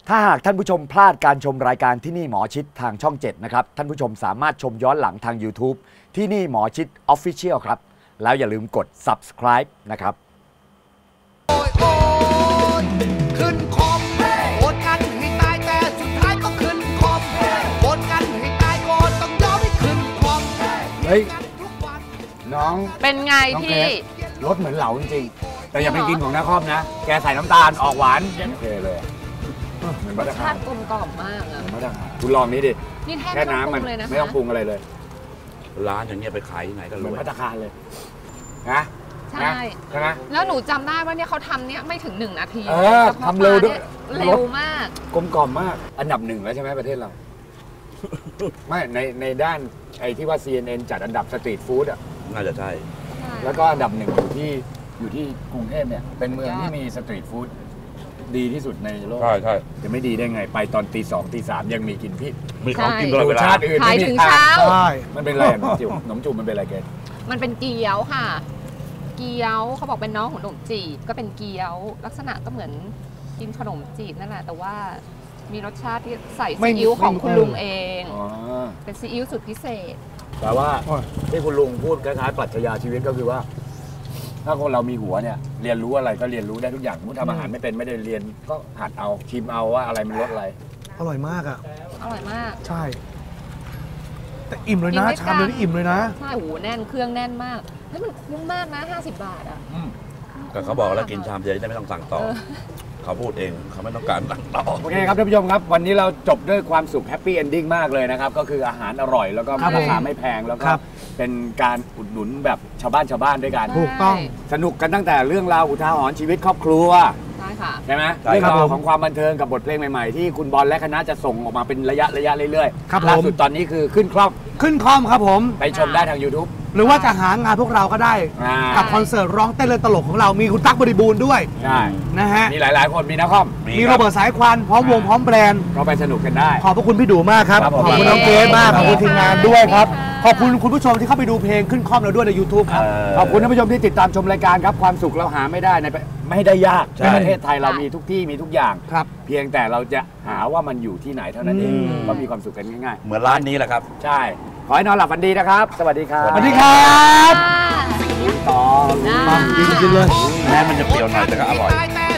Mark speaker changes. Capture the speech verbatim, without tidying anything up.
Speaker 1: ถ้าหากท่านผู้ชมพลาดการชมรายการที่นี่หมอชิดทางช่องเจ็ดนะครับท่านผู้ชมสามารถชมย้อนหลังทาง YouTube ที่นี่หมอชิด Official ครับแล้วอย่าลืมกด Subscribe นะครับ
Speaker 2: โอยโอยขึ้นคอมโอนกันให้ตายแต่สุดท้ายก็ขึ้นคอมโอนกันให้ตายก่อนต้องยอมให้ขึ้นคอมเฮ้ยน้อง
Speaker 3: เป็นไงพี่
Speaker 2: รสเหมือนเหลาจริงๆแต่อย่าไปกินของนาคอมนะแกใส่น้ำตาลออกหวานโอเคเลย
Speaker 3: รสชาติกลมกล่อมมากอ่ะ
Speaker 2: คุณลองนี้ดิ
Speaker 3: นี่แค่น้ำมัน
Speaker 2: ไม่ต้องปรุงอะไรเลย
Speaker 4: ร้านอย่างเงี้ยไปขายที่ไหนก็รวย
Speaker 2: เหมือนภัตตาคารเลยนะ
Speaker 3: ใช่
Speaker 2: ใช่ไหม
Speaker 3: แล้วหนูจำได้ว่าเนี่ยเขาทำเนี่ยไม่ถึงหนึ่งนาที
Speaker 2: เออทำเร็วด้วย
Speaker 3: เร็วมาก
Speaker 2: กลมกล่อมมากอันดับหนึ่งแล้วใช่ไหมประเทศเราไม่ในในด้านไอ้ที่ว่า ซี เอ็น เอ็น จัดอันดับสตรีทฟู้ดอ่ะ
Speaker 4: น่าจะใช่
Speaker 2: แล้วก็อันดับหนึ่งอยู่ที่อยู่ที่กรุงเทพเนี่ยเป็นเมืองที่มีสตรีทฟู้ดดีที่สุดในโลก
Speaker 4: ใช่ใช่
Speaker 2: จะไม่ดีได้ไงไปตอนตีสองตีสามยังมีกินพี่
Speaker 4: มีของกินตลอดเวลา
Speaker 2: ชาติอื่น
Speaker 3: ขายถึงเช้า
Speaker 2: ใช่มันเป็นอะไรขนมจุ่มขนมจุ่มมันเป็นอะไรเกศ
Speaker 3: มันเป็นเกี๊ยวค่ะเกี๊ยวเขาบอกเป็นน้องของขนมจีบก็เป็นเกี๊ยวลักษณะก็เหมือนกินขนมจีบนั่นแหละแต่ว่ามีรสชาติที่ใส่ซีอิ๊วของคุณลุงเองเป็นซีอิ๊วสุดพิเศษ
Speaker 2: แต่ว่าที่คุณลุงพูดคล้ายๆปรัชญาชีวิตก็คือว่าถ้าคนเรามีหัวเนี่ยเรียนรู้อะไรก็เรียนรู้ได้ทุกอย่างมุ้งทำอาหารไม่เป็นไม่ได้เรียนก็หัดเอาชิมเอาว่าอะไรมันรสอะไร
Speaker 5: อร่อยมากอ่ะ
Speaker 3: อร่อยมาก
Speaker 5: ใช่แต่อิ่มเลยนะชามเดียวนี่อิ่มเลยนะ
Speaker 3: ใช่โหแน่นเครื่องแน่นมากแล้วมันคุ้มมากนะห้าสิบบาทอ่ะ
Speaker 4: แต่เขาบอกแล้วกินชามเดียวได้ไม่ต้องสั่งต่อเขาพูดเองเขาไม่ต้องการสั่งต่อ
Speaker 2: โอเคครับท่านผู้ชมครับวันนี้เราจบด้วยความสุขแฮปปี้เอนดิ้งมากเลยนะครับก็คืออาหารอร่อยแล้วก็ราคาไม่แพงแล้วก็เป็นการอุดหนุนแบบชาวบ้านชาวบ้านด้วยกัน
Speaker 5: ถูกต้อง
Speaker 2: สนุกกันตั้งแต่เรื่องราวอุทาหรณ์ชีวิตครอบครัว
Speaker 3: ใช่ค่ะ
Speaker 2: ใช่ไหมเรื่องราวของความบันเทิงกับบทเพลงใหม่ๆที่คุณบอลและคณะจะส่งออกมาเป็นระยะระยะเรื่อยๆล่าสุดตอนนี้คือขึ้นคล่อม
Speaker 5: ขึ้นคล่อมครับผม
Speaker 2: ไปชมได้ทาง YouTube
Speaker 5: หรือว่าจะหางานพวกเราก็ได้กับคอนเสิร์ตร้องเต้นเล่นตลกของเรามีคุณตั๊กบริบูรณ์ด้วย
Speaker 2: ใช่
Speaker 5: นะฮะ
Speaker 2: มีหลายๆคนมีนักคอม
Speaker 5: มีโรเบิร์ตสายควันพร้อมวงพร้อมแบรนด์
Speaker 2: ก็ไปสนุกกันได้
Speaker 5: ขอบพระคุณพี่ดูมากครับขอบคุณน้องเกรซมากขอบคุณทีมงานด้วยครับขอบคุณคุณผู้ชมที่เข้าไปดูเพลงขึ้นคล่อมเราด้วยใน YouTube ครับ
Speaker 2: ขอบคุณท่านผู้ชมที่ติดตามชมรายการครับความสุขเราหาไม่ได้ในไม่ได้ยากในประเทศไทยเรามีทุกที่มีทุกอย่างเพียงแต่เราจะหาว่ามันอยู่ที่ไหนเท่านั้นเองก็มีความสุขกันง่าย
Speaker 4: ๆเหมือนร้านนี้แหละครับ
Speaker 2: ใช่ขอให้นอนหลับฝันดีนะครับสวัสดีครับ
Speaker 5: สวัสดีครับ
Speaker 2: ต่อ
Speaker 5: กินกินเลย
Speaker 4: แม้มันจะเปรี้ยวหน่อยแต่ก็อร่อย